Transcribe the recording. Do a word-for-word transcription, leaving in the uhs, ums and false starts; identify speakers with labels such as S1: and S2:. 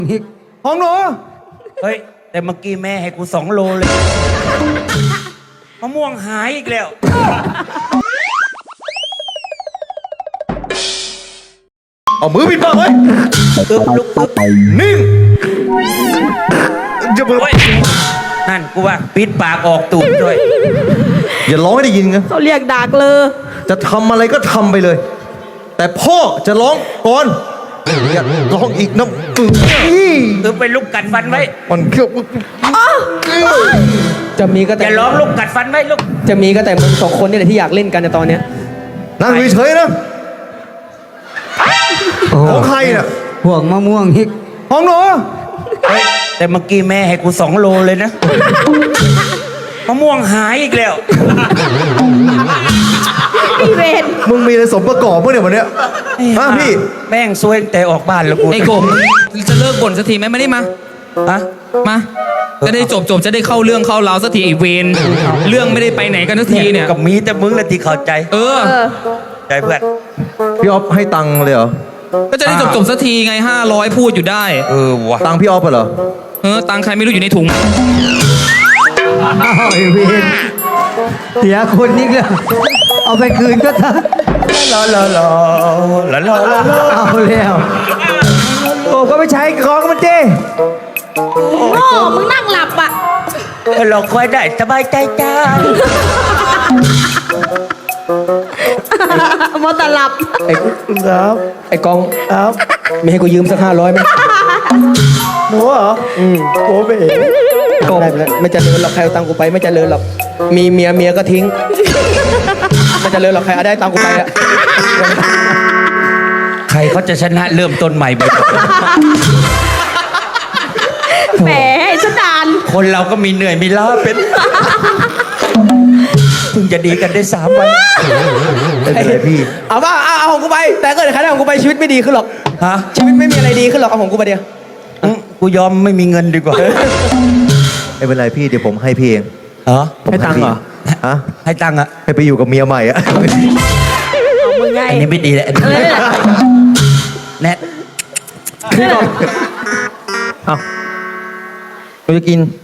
S1: ของหนู
S2: เฮ้ยแต่เมื่อกี้แม่ให้กูสองโลเลยมะม่วงหายอีกแล้ว
S1: เอามือปิดปากไว้
S2: ปึ๊บลุกปึ๊บ
S1: นิ่งจะมือ
S2: โอ้ยนั่นกูว่าปิดปากออกตูดด้วย
S1: อย่าร้องให้ได้ยินนะ
S3: เขาเรียกดักเลย
S1: จะทำอะไรก็ทำไปเลย แต่พ่อจะร้องก่อนอย่าร้องอีกนะอือ
S2: คือไปลุกกัดฟันไว้
S1: มันเขี้ยว
S4: จะมีก็แต่
S2: อย่าร้องลุกกัดฟันไว้ลุก
S4: จะมีก็แต่มึงสองคนนี่แหละที่อยากเล่นกันในตอนเนี้ย
S1: นั่งเฉยๆนะของใครน่ะ
S5: ห่วงมะม่วงฮิก
S1: ของหนู
S2: เฮ้ยแต่เมื่อกี้แม่ให้กูสองโลเลยนะมะม่วงหายอีกแล้ว
S3: พี่เวร
S1: มึงมีอะไรสมประกอบเมื่อเนี่ยวันเนี้ยฮะพี่
S2: แม่งซวยตั้งแต่ออกบ้านแล้วกู
S6: ไอ้กบจะเลิกบ่นสักทีไหมมานี่มา
S2: ฮะ
S6: มาจะได้จบจบจะได้เข้าเรื่องเข้าราวสักทีไอ้เวนเรื่องไม่ได้ไปไหนกันสักทีเนี่ย
S2: กับมีแต่มึงแหละที่เข้าใจ
S6: เออ
S3: เออ
S2: ใจเพื่อน
S1: พี่ออฟให้ตังค์เลยเหรอ
S6: ก็จะได้จบจบสักทีไงห้าร้อยพูดอยู่ได้
S2: เออวะ
S1: ตังค์พี่ออฟเหรอ
S6: เออตังค์ใครไม่รู้อยู่ในถุง
S5: อ้าวไอ้เวนเสียคนนิกแล้วเอาไปคืนก็ทัน
S2: ลาลาลาลาลาลาลา
S5: เอาแล้วโอ้ก็ไปใช้ของมันเจ้
S3: โง่มึงนั่งหลับอ่ะ
S2: เราคอยได้สบายใจจ้า
S3: มอตหลับ
S4: ไอ้ครับไอ้กองครับไม่ให้กูยืมสักห้าร้อยไหม
S1: หนูเหรอ
S4: อืม
S1: โอ้เบ๋
S4: ก็ได้แล้วไม่เจริญหรอกใครเอาตังค์กูไปไม่เจริญหรอกมีเมียเมียก็ทิ้งไม่เจริญหรอกใครเอาได้ตังค์กูไปอะ
S2: ใครเขาจะชนะเริ่มต้นใหม่ไป
S3: แหมสดาน
S2: คนเราก็มีเหนื่อยมีล้าเป็นเพิ่งจะดีกันได้สามวัน
S1: ไม่เป็นไรพี่
S4: เอาว่าเอาเอาของกูไป แต่ก็เดี๋ยวใครได้ของกูไปชีวิตไม่ดีขึ้นหรอก
S2: ฮะ
S4: ชีวิตไม่มีอะไรดีขึ้นหรอกเอาของกูไปเดียว
S2: อืมกูยอมไม่มีเงินดีกว่า
S1: ไม่เป็นไรพี่เดี๋ยวผมให้พี่เอง
S2: เหรอ
S1: ผมพี่ฮะ
S2: ให้ตังค์อะ
S1: ให้ไปอยู่กับเมียใหม่อะ
S3: เอามึงไง
S2: อันนี้ไม่ดีเลยอันนี้
S3: เออ
S2: แนท
S4: เอาเราจะกิน